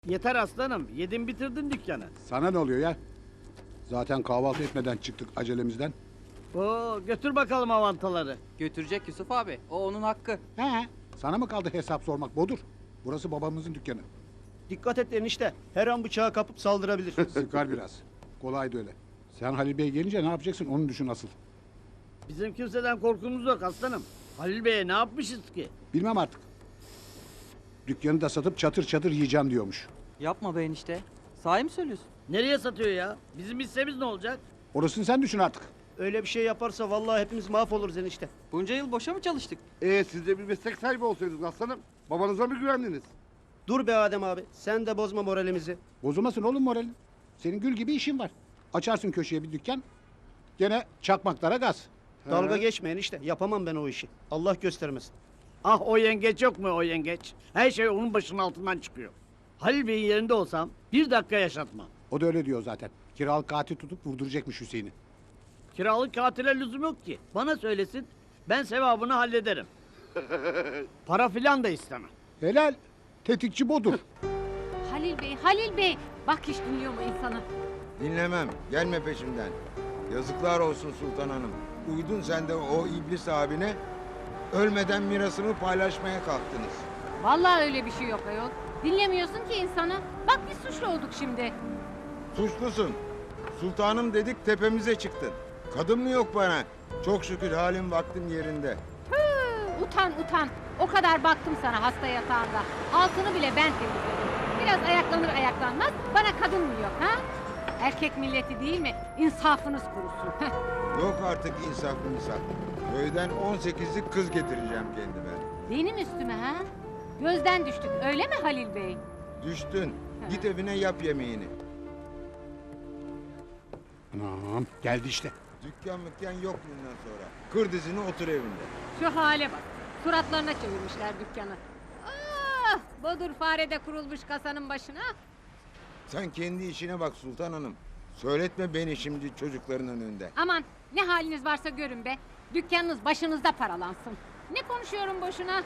Yeter aslanım. Yedin bitirdin dükkanı. Sana ne oluyor ya? Zaten kahvaltı etmeden çıktık acelemizden. Oo, götür bakalım avantaları. Götürecek Yusuf abi. O onun hakkı. He. Sana mı kaldı hesap sormak Bodur? Burası babamızın dükkanı. Dikkat et enişte. Her an bıçağı kapıp saldırabilir. Sıkar biraz. Kolaydı öyle. Sen Halil Bey gelince ne yapacaksın onu düşün asıl. Bizim kimseden korkumuz yok aslanım. Halil Bey'e ne yapmışız ki? Bilmem artık. Dükkanı da satıp çatır çatır yiyeceğim diyormuş. Yapma be enişte. Sahi mi söylüyorsun? Nereye satıyor ya? Bizim hissemiz ne olacak? Orasını sen düşün artık. Öyle bir şey yaparsa vallahi hepimiz mahvoluruz enişte. Bunca yıl boşa mı çalıştık? Siz de bir meslek sahibi olsaydınız aslanım. Babanıza mı güvendiniz? Dur be Adem abi. Sen de bozma moralimizi. Bozulmasın oğlum moralin. Senin gül gibi işin var. Açarsın köşeye bir dükkan. Gene çakmaklara gaz. Dalga geçme enişte. Yapamam ben o işi. Allah göstermesin. Ah o yengeç yok mu o yengeç? Her şey onun başının altından çıkıyor. Halil Bey'in yerinde olsam bir dakika yaşatmam. O da öyle diyor zaten. Kiralık katil tutup vurduracakmış Hüseyin'i. Kiralık katile lüzum yok ki. Bana söylesin, ben sevabını hallederim. Para filan da istemem. Helal. Tetikçi Bodur. Halil Bey, Halil Bey. Bak hiç dinliyor mu insanı? Dinlemem. Gelme peşimden. Yazıklar olsun Sultan Hanım. Uydun sen de o iblis abine. Ölmeden mirasımı paylaşmaya kalktınız. Vallahi öyle bir şey yok ayol. Dinlemiyorsun ki insanı. Bak biz suçlu olduk şimdi. Suçlusun. Sultanım dedik tepemize çıktın. Kadın mı yok bana? Çok şükür halim vaktim yerinde. Tüh, utan utan. O kadar baktım sana hasta yatağında. Altını bile ben temizledim. Biraz ayaklanır ayaklanmaz bana kadın mı yok ha? Erkek milleti değil mi? İnsafınız kurusun. Yok artık insaf insaf. Köyden 18'lik kız getireceğim kendime. Benim üstüme ha? Gözden düştük öyle mi Halil Bey? Düştün. Git evine yap yemeğini. Anam geldi işte. Dükkan mükkan yok bundan sonra. Kır dizini otur evinde. Şu hale bak. Suratlarına çevirmişler dükkanı. Ah, bodur farede kurulmuş kasanın başına. Sen kendi işine bak Sultan Hanım. Söyletme beni şimdi çocukların önünde. Aman ne haliniz varsa görün be. Dükkanınız başınızda paralansın. Ne konuşuyorum boşuna?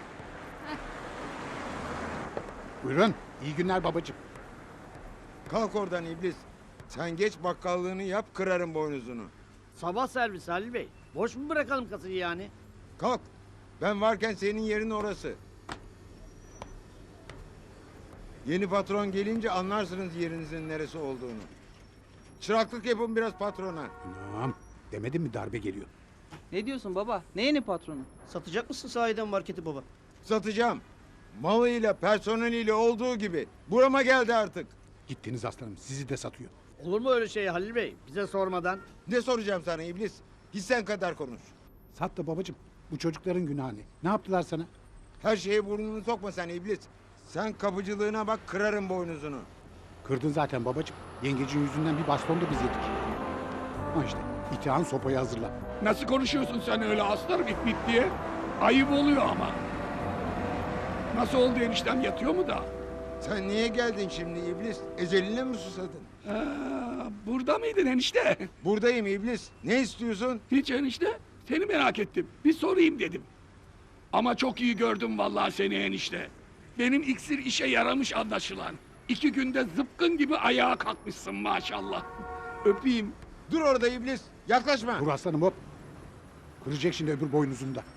Buyurun. İyi günler babacığım. Kalk oradan iblis. Sen geç bakkallığını yap kırarım boynuzunu. Sabah servisi Halil Bey. Boş mu bırakalım kasayı yani? Kalk. Ben varken senin yerin orası. Yeni patron gelince anlarsınız yerinizin neresi olduğunu. Çıraklık yapın biraz patrona. Anam demedim mi darbe geliyor. Ne diyorsun baba? Ne yeni patronu? Satacak mısın sahiden marketi baba? Satacağım. Malıyla personeliyle olduğu gibi. Burama geldi artık. Gittiniz aslanım sizi de satıyor. Olur mu öyle şey Halil Bey? Bize sormadan. Ne soracağım sana iblis? Hissen kadar konuş. Sat da babacığım. Bu çocukların günahı ne? Ne yaptılar sana? Her şeye burnunu sokma sen iblis. Sen kapıcılığına bak kırarım boynuzunu. Kırdın zaten babacığım. Yengecin yüzünden bir baston da biz yedik. Ha işte itihan sopayı hazırla. Nasıl konuşuyorsun sen öyle aslanım it bit diye? Ayıp oluyor ama. Nasıl oldu eniştem yatıyor mu da? Sen niye geldin şimdi iblis? Eceline mi susadın? Burada mıydın enişte? Buradayım iblis. Ne istiyorsun? Hiç enişte. Seni merak ettim. Bir sorayım dedim. Ama çok iyi gördüm vallahi seni enişte. Benim iksir işe yaramış anlaşılan. 2 günde zıpkın gibi ayağa kalkmışsın maşallah. Öpeyim. Dur orada iblis. Yaklaşma. Dur aslanım hop. Kıracak şimdi öbür boynuzunda.